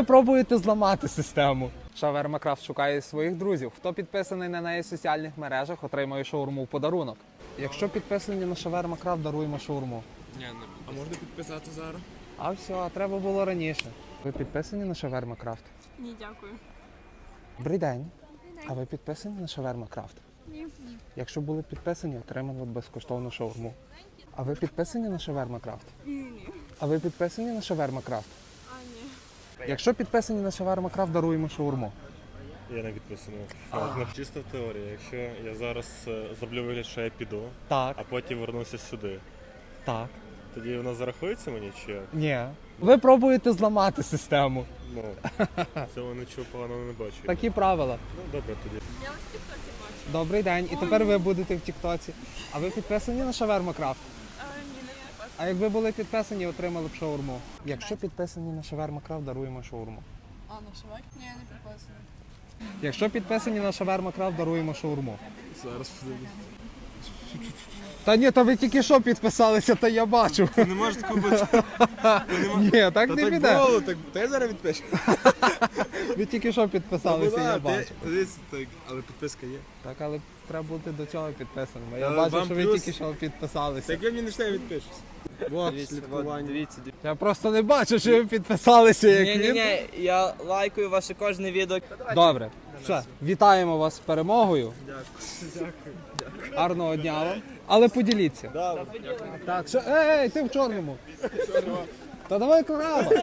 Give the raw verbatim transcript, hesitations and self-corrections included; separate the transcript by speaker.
Speaker 1: Ви пробуєте зламати систему. Шаверма Крафт шукає своїх друзів. Хто підписаний на неї в соціальних мережах, отримує шаурму в подарунок. Якщо підписані на Шаверма Крафт, даруємо шаурму.
Speaker 2: Ні, не. А можна підписати зараз?
Speaker 1: А все, а треба було раніше. Ви підписані на Шаверма Крафт?
Speaker 3: Ні, дякую.
Speaker 1: Добрий день. А ви підписані на Шаверма Крафт?
Speaker 3: Ні.
Speaker 1: Якщо були підписані, отримали б безкоштовну шаурму. А ви підписані на Шаверма Крафт?
Speaker 3: Ні.
Speaker 1: А ви підписані на Шаверма Крафт?
Speaker 3: А, ні.
Speaker 1: Якщо підписані на Шаверма Крафт, даруємо шаурму.
Speaker 4: Я не підписаний. Чисто в теорії, якщо я зараз е, зроблю вигляд, що я піду,
Speaker 1: Так,
Speaker 4: а потім вернуся сюди,
Speaker 1: так.
Speaker 4: тоді вона зарахується мені чи як?
Speaker 1: Ні. Ви пробуєте зламати систему.
Speaker 4: Ну, цього нічого поганого не бачу.
Speaker 1: Такі правила.
Speaker 4: Ну, добре тоді.
Speaker 3: Я ось в тіктоці бачу.
Speaker 1: Добрий день. І тепер ви будете в Тіктоці. А ви підписані на Шаверма Крафт?
Speaker 3: А, ні, не бачу.
Speaker 1: А якби були підписані, отримали б шаурму. Якщо підписані на Шаверма Крафт, даруємо шаурму.
Speaker 3: А, на шавак? Ні, я не підписана.
Speaker 1: Якщо підписані на Шаверма Крафт, даруємо шаурму.
Speaker 2: Зараз подивлюсь.
Speaker 1: Та ні, та ви тільки що підписалися, та я бачу.
Speaker 2: Ти не можеш такого бути.
Speaker 1: Ні, так
Speaker 2: Та
Speaker 1: не
Speaker 2: так
Speaker 1: піде.
Speaker 2: було, так та я зараз відпишу.
Speaker 1: Ви тільки що підписалися, я бачу.
Speaker 2: Дивись, так, але підписка є.
Speaker 1: Так, але треба бути до цього підписаним. Я
Speaker 2: Але
Speaker 1: бачу,
Speaker 2: вам
Speaker 1: що ви
Speaker 2: плюс-
Speaker 1: тільки що підписалися.
Speaker 2: Так я мені не читаю, відпишусь. Вот, слідкування.
Speaker 5: Дивіться,
Speaker 1: Я просто не бачу, що ви підписалися, як
Speaker 5: ні, ні,
Speaker 1: він.
Speaker 5: ні, я лайкую ваше кожне відео.
Speaker 1: Добре, все, вітаємо вас з перемогою. Дякую. Гарного дня вам. Але поділіться. Так, що... Ей, ти в чорному. Та давай краба.